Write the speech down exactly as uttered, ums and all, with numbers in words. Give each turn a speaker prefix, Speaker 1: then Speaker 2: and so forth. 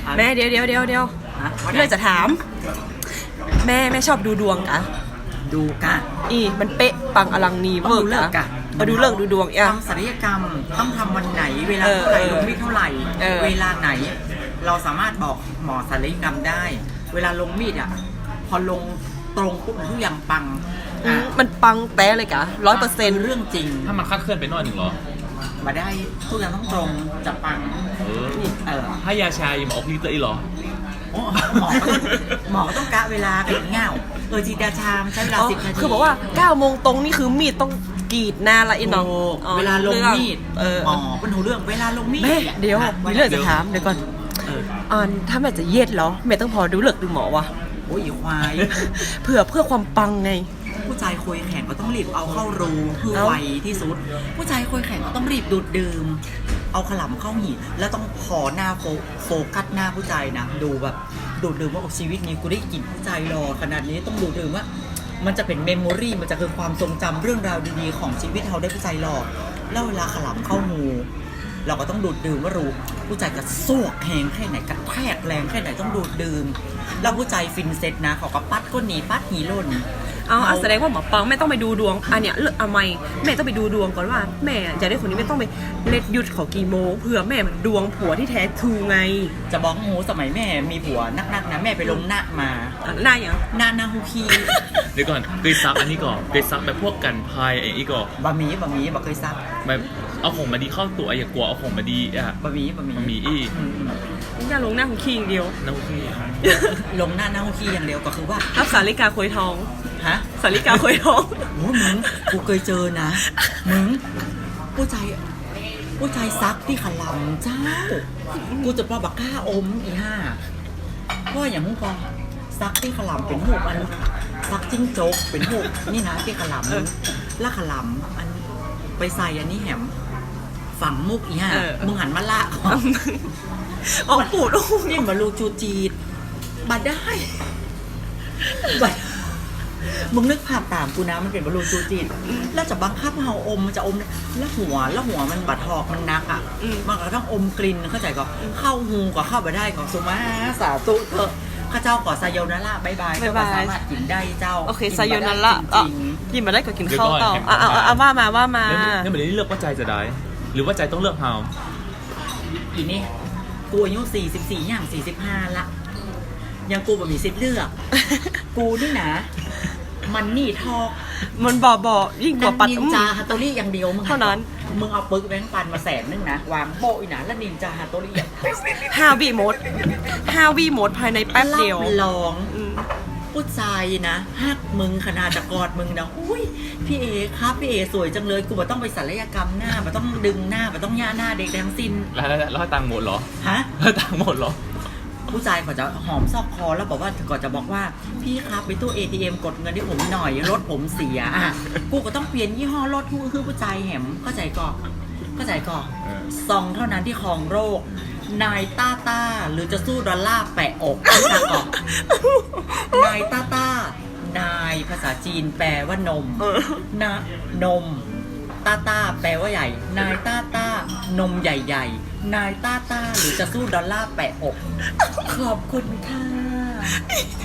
Speaker 1: แม่เดี๋ยวเดี๋ยวเดี๋ยวเดี๋ยวเรื่องจะถามแม่แม่ชอบดูดวงกะ
Speaker 2: ดูกะ
Speaker 1: อีมันเป๊ะปังอลังนีเวอร์กะมาดูเลิกดูดวงอ่ะ
Speaker 2: ทำศัลยกรรมต้องทำวันไหนเวลาเท่าไหร่ลงมีดเท่าไหร่เวลาไหนเราสามารถบอกหมอศัลยกรรมได้เวลาลงมีดอ่ะพอลงตรงปุ๊บทุกอย่างปัง
Speaker 1: มันปังแต้เลยกะร้อยเปอร์เซ็นต์
Speaker 2: เรื่องจริง
Speaker 3: ถ้ามันคาดเคลื่อนไปหน่อยหนึ่งเหรอ
Speaker 2: มาได้ทุกอย่างต้องตรงจะปัง
Speaker 3: เออเออให้ยาชาหมอพีเตอร์อีหรอ
Speaker 2: หมอหมอต้องกะเวลาเป็นเงาเออจีดาชามใช้เวลาสิบนาที
Speaker 1: คือบอกว่าเก้าโมงตรงนี่คือมีดต้องกรีดหน้าละอีน้อง
Speaker 2: เวลาลงมีดหมอเป็นหูเรื่องเวลาลงมีด
Speaker 1: แม่เดี๋ยวมีเรื่องจะถามเดี๋ยวก่อนอ่านถ้าแม่จะเย็ดเหรอแม่ต้องพอดูเลิกดูหมอวะ
Speaker 2: โอ้ยควาย
Speaker 1: เพื่อเพื่อความปังไง
Speaker 2: ผู้ชายคุยแข่งก็ต้องรีบเอาเข้ารูเพื่อไวที่สุดผู้ชายคุยแข่งก็ต้องรีบดูดดื่มเอาขลำเข้าหีบแล้วต้องขอหน้าโฟโฟกัสหน้าผู้ชายนะดูแบบดูดดื่มว่าชีวิตนี้กูได้กลิ่นผู้ชายรอขนาดนี้ต้องดูดดื่มว่ามันจะเป็นเมมโมรี่มันจะคือความทรงจำเรื่องราวดีๆของชีวิตเราได้ผู้ชายรอแล้วเวลาขลำเข้าหูเราก็ต้องดูดดื่มว่ารู้ผู้ชายจะสวกแหงแค่ไหนกระแทกแรงแค่ไหนต้องดูดดื่มแล้วผู้ชายฟินเซ็ตนะเขาก็ปัดก้นหนีปัดหีล่น
Speaker 1: เอาแสดงว่าหมอปังแม่ต้องไปดูดวงอันเนี้ยเลือกทำไมแม่ต้องไปดูดวงก่อนว่าแม่จะได้คนนี้ไม่ต้องไปเล็ดยุดเขากี่โมงเผื่อแม่มันดวงผัวที่แท้ทูไง
Speaker 2: จะบอกโหสมัยแม่มีผัวนักๆนะแม่ไปลงหน้ามา
Speaker 1: หน้าอย่าง
Speaker 2: หน้าหน้าฮูคี
Speaker 3: เดี๋ยวก่อนเคยซักอันนี้ก่อนเคยซักแบบพวกกันพายไอ้อีก่อน
Speaker 2: บะหมี่บะหมี่บะเคยซัก
Speaker 3: แบบเอาของมาดีเข้าตัวอย่ากลัวเอาของมาดีอ่ะ
Speaker 2: บะหมี่บะหมี่
Speaker 3: บะหมี่อี
Speaker 1: อย่าลงหน้าฮูคีอย่างเดียว
Speaker 3: หน้าฮูคี
Speaker 2: ลงหน้าหน้าฮูคีอย่างเดียวก็คือว่า
Speaker 1: รับสาริกาคุยทอง
Speaker 2: ฮะ
Speaker 1: สาริกาคุยทอง
Speaker 2: โอ้มึงกูเคยเจอนะมึงผู้ชายผู้ชายซักที่ขลำเจ้ากูจะปลาบักก้าอมอีห้าเพราะอย่างมึงพอซักที่ขลำเป็นหูอันซักจิ้งจกเป็นหูนี่นะที่ขลำแล้วขลำอันไปใส่อันนี้แหมฝังมุกอีห้ามึงหันมาละ
Speaker 1: อ๋อปูด
Speaker 2: นี่มาลูจูจีดบัดได้บัดมึงนึกภาพตามกูนะมันเป็นบอลลูนจูจีนแล้วจะบังคับเฮาอมมันจะอมแล้วหัวแล้วหัวมันบัดหอกมันนักอ่ะมันก็ต้องอมกลิ่นเข้าใจก็เข้าหูก็เข้าไปได้ของสุมาสาตุเถอะข้าเจ้าก่อไซโยนาระบายบายเจ้าก็สามารถกินได้เจ้า
Speaker 1: โอเคไซโยนาระกินมาได้ก็กินข้าวต่ออ่ะอ่ะว่ามาว่ามา
Speaker 3: เนี่ยมันได้เลือกว่าใจจะได้หรือว่าใจต้องเลือกเฮา
Speaker 2: อีนี่กูอายุสี่สิบสี่อย่างสี่สิบห้าละยังกูแบบมีสิทธิ์เลือกกูนี่นะมันนี่ทอก
Speaker 1: มันบ่อบ่อยิ่งกว่าปัด
Speaker 2: นินจาฮัตโตรี่อย่างเดียวมึง
Speaker 1: เท่านั้น
Speaker 2: มึงเอาปึกแบงค์ปันมาแสนนึงนะวางโปะอีนะแล้วนินจาฮัตโตรี่
Speaker 1: ฮาวีโมดฮาวีโมดภายในแป๊บเดียว
Speaker 2: ลองผู้ชายนะฮักมึงขนาดจะกอดมึงนะอุ้ยพี่เอครับพี่เอสวยจังเลยกูบ่ต้องไปศัลยกรรมหน้าบ่ต้องดึงหน้าบ่ต้องย่าหน้าเด็กทั้งสิ้น
Speaker 3: แล้วแล้วตังหมดเหรอ
Speaker 2: ฮะ
Speaker 3: แล้วตังหมดเหรอ
Speaker 2: ผู้ชายเขาจะหอมซอกคอแล้วบอกว่าก่อนจะบอกว่าพี่ครับไปตู้ เอ ที เอ็ม กดเงินให้ผมหน่อยรถผมเสียอ่ะกูก็ต้องเปลี่ยนยี่ห้อรถคือคือผู้ชายแหมเข้าใจก่อนเข้าใจก่อนซองเท่านั้นที่ครองโรคนายต้าต้าหรือจะสู้ดอลลาร์แปะอกนะก่อนนายต้าต้านายภาษาจีนแปลว่านมนะนมต้าต้าแปลว่าใหญ่นายต้าต้านมใหญ่ๆนายต้าต้าหรือจะสู้ดอลลาร์แปะอกขอบคุณค่ะ